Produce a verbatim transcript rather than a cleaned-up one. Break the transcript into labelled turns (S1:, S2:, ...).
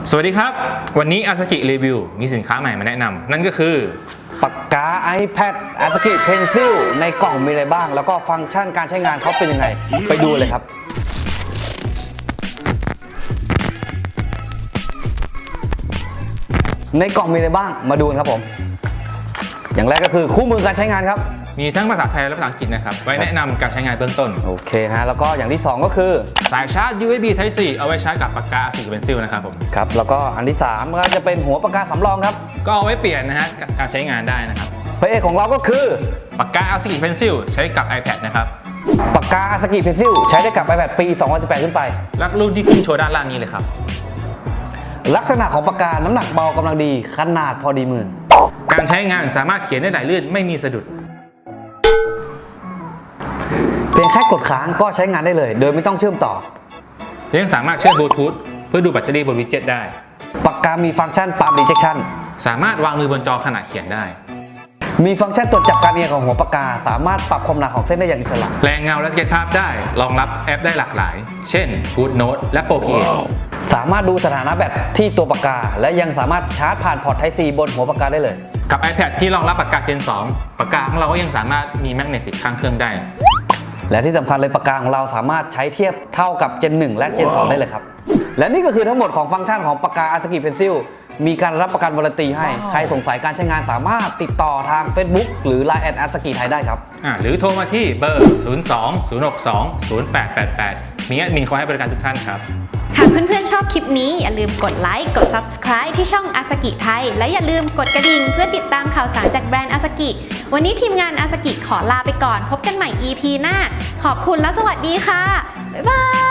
S1: สวัสดีครับวันนี้อาซากิรีวิวมีสินค้าใหม่มาแนะนำนั่นก็คือ
S2: ปากกา iPad Azuki Pencil ในกล่องมีอะไรบ้างแล้วก็ฟังก์ชันการใช้งานเขาเป็นยังไงไปดูเลยครับในกล่องมีอะไรบ้างมาดูกันครับผมอย่างแรกก็คือคู่มือการใช้งานครับ
S1: มีทั้งภาษาไทยและภาษาอังกฤษนะครับไว้แนะนำการใช้งานเบื้องต้น
S2: โอเคฮะแล้วก็อย่างที่สองก็คือ
S1: สายชาร์จ ยู เอส บี Type โฟร์ เอาไว้ชาร์จกับปากกา Azuki Pencil นะครับผม
S2: ครับแล้วก็อันที่สามก็จะเป็นหัวปากกาสำรองครับ
S1: ก็เอาไว้เปลี่ยนนะฮะการใช้งานได้นะครับ
S2: พระเอกของเราก็คือ
S1: ปากกา Azuki Pencil ใช้กับ iPad นะครับ
S2: ปากกา Azuki Pencil ใช้ได้กับ iPad ปี สองพันสิบแปด ขึ้นไป
S1: ลักรุ่นที่ขึ้นโชว์ด้านล่างนี้เลยครับ
S2: ลักษณะของปากกาน้ำหนักเบากำลังดีขนาดพอดีมือ
S1: การใช้งานสามารถเขียนได้ไหลลื่นไม่มีสะดุด
S2: เพียงแค่กดค้างก็ใช้งานได้เลยโดยไม่ต้องเชื่อมต่อ
S1: ยังสามารถเชื่อมบลูทูธเพื่อดูแบตเตอรี่บนวิดเจ็ตได้
S2: ปากกามีฟังก์ชัน Palm Detection
S1: สามารถวางมือบนจอขณะเขียนได้
S2: มีฟังก์ชันตรวจจับการเอียงของหัวปากกาสามารถปรับความหนาของเส้นได้อย่างอิสระ
S1: แรงเงาและสเก็ตภาพได้รองรับแอปได้หลากหลายเช่น GoodNote และ Procreate
S2: สามารถดูสถานะแบตที่ตัวปากกาและยังสามารถชาร์จผ่านพอร์ต Type C บนหัวปากกาได้เลย
S1: กับ iPad ที่รองรับปากกา Gen สองปากกาของเราก็ยังสามารถมีแมกเนตติดข้างเครื่องได้
S2: และที่สำคัญเลยปากกาของเราสามารถใช้เทียบเท่ากับ Gen หนึ่ง และ Gen สอง ได้เลยครับและนี่ก็คือทั้งหมดของฟังก์ชันของปากกา Azuki Pencil มีการรับประกันวารันตีให้ใครสงสัยการใช้งานสามารถติดต่อทาง Facebook หรือ ไลน์ แอท Azuki ไทยได้ครับ
S1: อ่าหรือโทรมาที่เบอร์ ศูนย์ สอง ศูนย์ หก สอง ศูนย์ แปด แปด แปด มีแอดมินคอยให้บริการทุกท่านครับ
S3: หากเพื่อนๆชอบคลิปนี้อย่าลืมกดไลค์กด Subscribe ที่ช่อง Azuki ไทยและอย่าลืมกดกระดิ่งเพื่อติดตามข่าวสารจากแบรนด์ Azuki วันนี้ทีมงาน Azuki ขอลาไปก่อนพบกันใหม่ อี พี หน้าขอบคุณและสวัสดีค่ะบ๊ายบาย